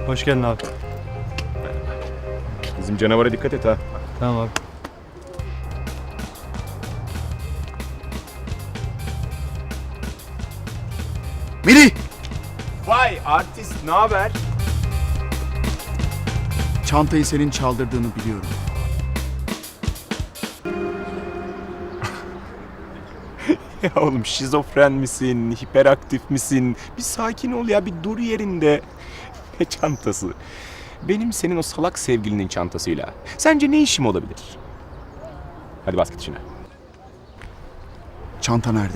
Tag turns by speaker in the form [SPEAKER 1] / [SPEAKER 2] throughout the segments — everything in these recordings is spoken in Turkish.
[SPEAKER 1] Hoş geldin abi.
[SPEAKER 2] Bizim canavara dikkat et ha.
[SPEAKER 1] Tamam abi.
[SPEAKER 3] Melih!
[SPEAKER 2] Vay artist, ne haber?
[SPEAKER 3] Çantayı senin çaldırdığını biliyorum.
[SPEAKER 2] Ya oğlum şizofren misin, hiperaktif misin? Bir sakin ol ya, bir dur yerinde. Ne çantası? Benim senin o salak sevgilinin çantasıyla. Sence ne işim olabilir? Hadi bas git işine.
[SPEAKER 3] Çanta nerede?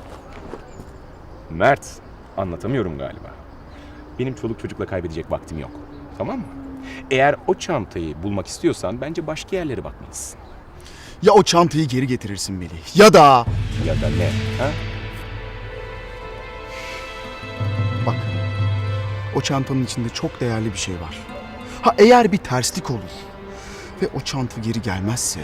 [SPEAKER 2] Mert, anlatamıyorum galiba. Benim çoluk çocukla kaybedecek vaktim yok. Tamam mı? Eğer o çantayı bulmak istiyorsan bence başka yerlere bakmalısın.
[SPEAKER 3] Ya o çantayı geri getirirsin Melih ya da...
[SPEAKER 2] Ya da ne? Ha?
[SPEAKER 3] Bak, o çantanın içinde çok değerli bir şey var. Ha eğer bir terslik olur ve o çanta geri gelmezse...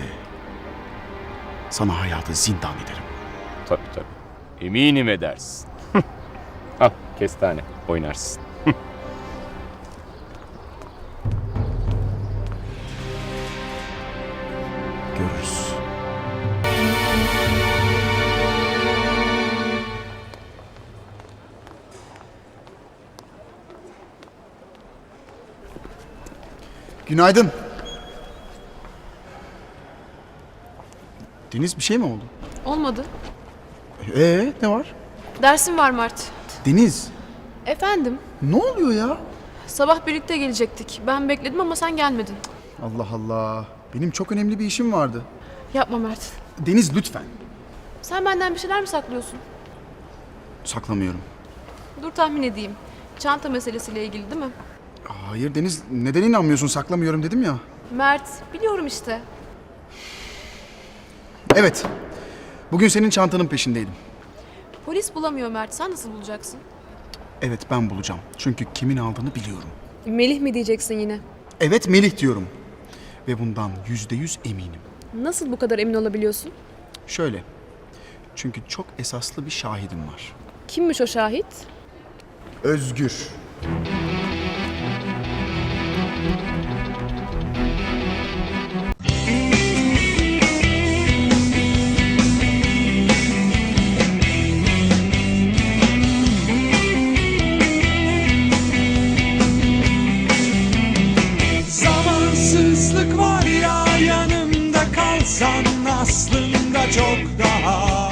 [SPEAKER 3] sana hayatı zindan ederim.
[SPEAKER 2] Tabii. Eminim edersin. Al kestane, oynarsın.
[SPEAKER 3] Görürüz. Günaydın. Deniz bir şey mi oldu?
[SPEAKER 4] Olmadı.
[SPEAKER 3] Ne var?
[SPEAKER 4] Dersim var Mert.
[SPEAKER 3] Deniz,
[SPEAKER 4] Efendim,
[SPEAKER 3] ne oluyor ya?
[SPEAKER 4] sabah birlikte gelecektik. Ben bekledim ama sen gelmedin.
[SPEAKER 3] Allah Allah. Benim çok önemli bir işim vardı.
[SPEAKER 4] Yapma Mert.
[SPEAKER 3] Deniz lütfen.
[SPEAKER 4] Sen benden bir şeyler mi saklıyorsun?
[SPEAKER 3] Saklamıyorum.
[SPEAKER 4] Dur tahmin edeyim. Çanta meselesiyle ilgili değil mi?
[SPEAKER 3] Hayır Deniz, neden inanmıyorsun? Saklamıyorum dedim ya.
[SPEAKER 4] Mert, biliyorum işte.
[SPEAKER 3] Evet. Bugün senin çantanın peşindeydim.
[SPEAKER 4] Polis bulamıyor Mert. Sen nasıl bulacaksın?
[SPEAKER 3] Evet ben bulacağım. Çünkü kimin aldığını biliyorum.
[SPEAKER 4] Melih mi diyeceksin yine?
[SPEAKER 3] Evet Melih diyorum. Ve bundan %100 eminim.
[SPEAKER 4] Nasıl bu kadar emin olabiliyorsun?
[SPEAKER 3] Şöyle. Çünkü çok esaslı bir şahidim var.
[SPEAKER 4] Kimmiş o şahit?
[SPEAKER 3] Özgür.
[SPEAKER 5] Zamansızlık var ya, yanımda kalsan aslında çok daha